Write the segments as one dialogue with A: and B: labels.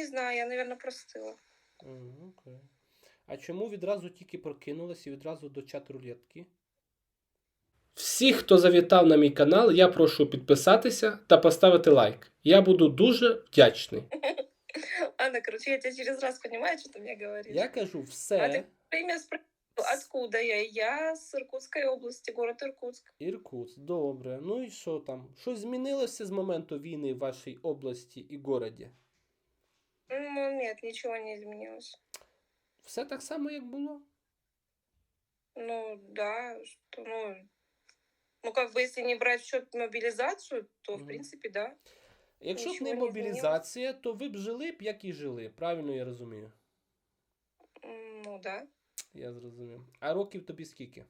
A: знаю, я, наверное, простыла.
B: Окей. А чому відразу тільки прокинулася і відразу до чат-рулетки? Всіх, хто завітав на мій канал, я прошу підписатися та поставити лайк. Я буду дуже вдячний.
A: Ладно, короче, я тебя через раз понимаю, что ты мне говоришь.
B: Я кажу
A: А ты
B: все.
A: время спросил, откуда я? Я с Иркутской области, город Иркутск.
B: Іркутськ, добре. Ну і що там? Щось змінилося з моменту війни в вашій області і городі?
A: Ну, нет, ничего не изменилось.
B: Все так само, як було?
A: Ну, да, что, ну, как бы, если не брать в счет мобилизацию, то, в принципе, да.
B: Якщо б
A: Нічого
B: не
A: не
B: мобілізація, то ви б жили б, як і жили. Правильно я розумію?
A: Ну, да.
B: Я зрозумів. А років тобі скільки?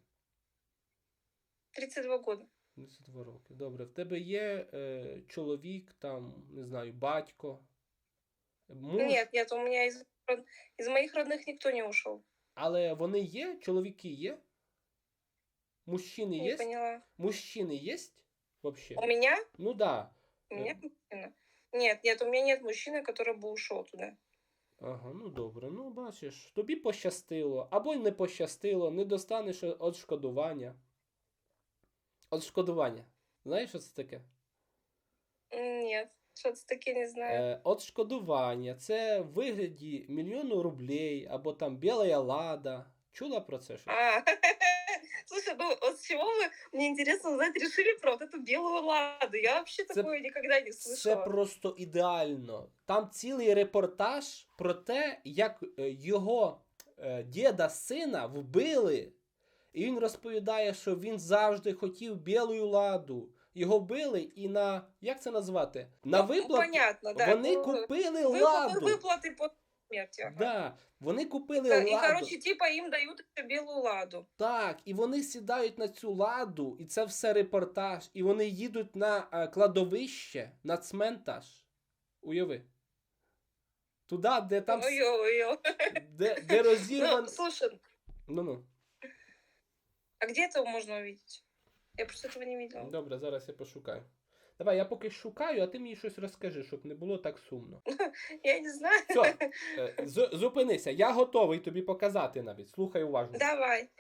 A: 32 года.
B: 32 роки. Добре. В тебе є чоловік, там, не знаю, батько? Муж?
A: Нет, у меня из моих родных никто не ушел.
B: Але вони є? Чоловіки є? Мужчини
A: Не
B: є?
A: поняла.
B: Мужчини є? Вообще?
A: У меня?
B: Ну да.
A: У меня мужчина. Нет, у меня нет мужчины, который бы ушел туда.
B: Ага, ну добре. Ну, бачиш, тобі пощастило. Або й не пощастило, не достанеш відшкодування. Відшкодування. Знаєш, що це таке?
A: Нет, что-то таки не знаю.
B: Відшкодування. Це в вигляді 1 000 000 рублей, або там біла лада. Чула про це щось?
A: Слушай, ну вот с чего вы, мне интересно узнать, решили про вот эту белую ладу? Я вообще такое никогда не слышала.
B: Це просто ідеально. Там цілий репортаж про те, як його діда сина вбили. І він розповідає, що він завжди хотів білу ладу. Його вбили і на, як це назвати? На виплати.
A: Понятно, да.
B: Вони купили ладу.
A: Выплаты по смерти. Ага.
B: Да, вони купили
A: Да,
B: ладу.
A: и, короче, типа им дают белую ладу.
B: Так, і вони сідають на цю ладу, і це все репортаж, і вони їдуть на кладовище, на цментаж. Уяви. Туди, де там... Де розірван...
A: Ну, слушай.
B: Ну.
A: А где это можно увидеть? Я просто этого не видела.
B: Добре, зараз я пошукаю. Давай, я поки шукаю, а ти мені щось розкажи, щоб не було так сумно.
A: Я не знаю.
B: Все, зупинися, я готовий тобі показати навіть. Слухай уважно.
A: Давай.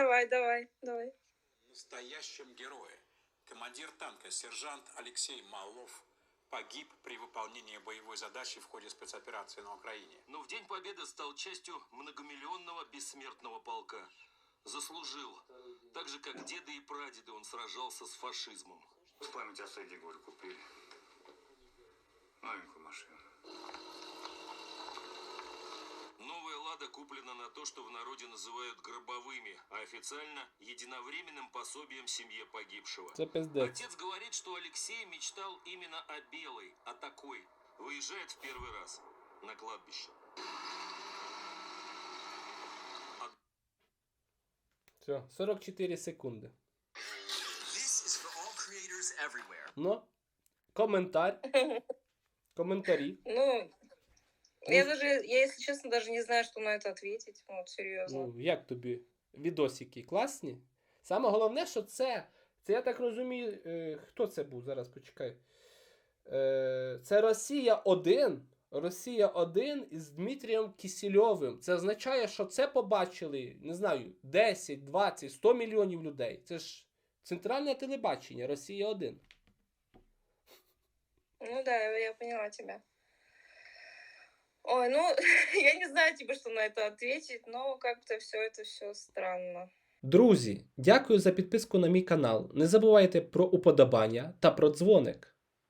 C: Настоящем герое. Командир танка сержант Алексей Малов погиб при выполнении боевой задачи в ходе спецоперации на Украине.
D: Но в День Победы стал частью многомиллионного бессмертного полка. Заслужил. Так же, как деды и прадеды, он сражался с фашизмом.
E: В память о Сэдди Голь купили новенькую машину.
D: Новая «Лада» куплена на то, что в народе называют гробовыми, а официально единовременным пособием семье погибшего.
B: Это пиздец.
D: Отец говорит, что Алексей мечтал именно о белой, о такой. Выезжает в первый раз на кладбище.
B: Все, 44 секунди. Ну, коментарі.
A: Ну, я, если честно, даже не знаю, что на это ответить. Вот, серьезно.
B: Ну, як тобі відосики? Класні? Саме головне, що це я так розумію, хто це був? Зараз почекай. Це Росія 1 із Дмитрієм Кісельовим. Це означає, що це побачили, не знаю, 10, 20, 100 мільйонів людей. Це ж центральне телебачення, Росія 1.
A: Ну да, я поняла тебя. Ой, ну, я не знаю тебе, что на это ответить, но как-то все странно.
B: Друзі, дякую за підписку на мій канал. Не забувайте про уподобання та про дзвоник.